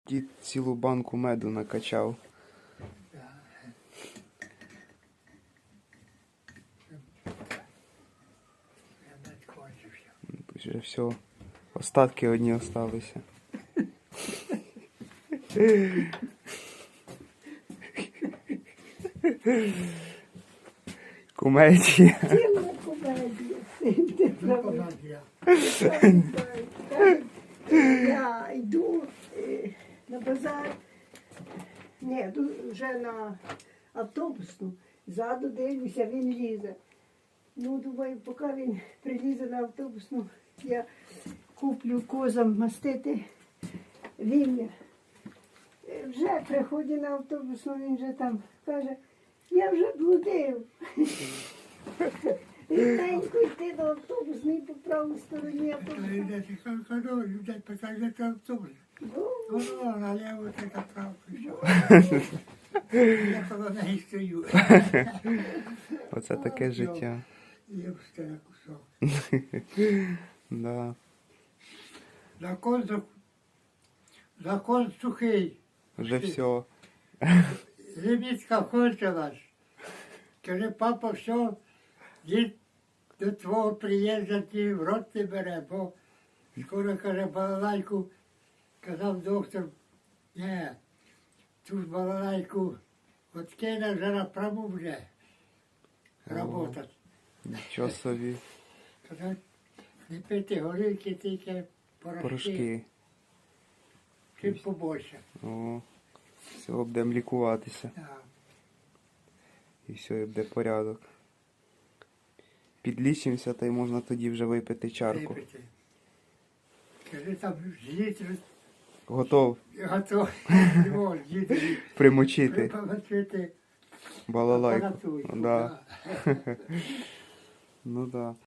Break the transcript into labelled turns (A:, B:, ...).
A: Дід цілу банку меду накачав. Вже все. Остатки одні осталися. Кумедія.
B: Ціла комедія. Я йду на базар, ні, вже на автобусну, ззаду дивлюся, він лізе. Ну, думаю, поки він прилізе на автобусну, я куплю козам мастити вім'я. Вже приходить на автобусну, він вже там каже, я вже блудив. Рідненько йти до автобусної по правій стороні автобуса.
C: Людей питають, що автобус. Ну, наліво це направо прийшов. Я коло неї стою.
A: Оце таке життя.
C: Я встиг кусок.
A: Да.
C: Закон сухий.
A: Вже все.
C: Лімітка кончилась. Каже, папа, все, дід до твого приїзду ті в рот не бере, бо скоро, каже, балалайку, казав доктор, ні, ту ж балалайку от кине вже напряму вже работати.
A: Нічого собі.
C: Казав, не пити горілки, тільки порошки,
A: Порошки.
C: чим побольше.
A: О, все, будемо лікуватися.
C: Так.
A: І все, і буде порядок. Підлічимося, та й можна тоді вже випити чарку.
C: Випити. Каже, там літр
A: Готов
C: готовий. Не може, діти.
A: примочити
C: Припомочити
A: балалайку.
C: апаратуру.
A: Да. Ну да.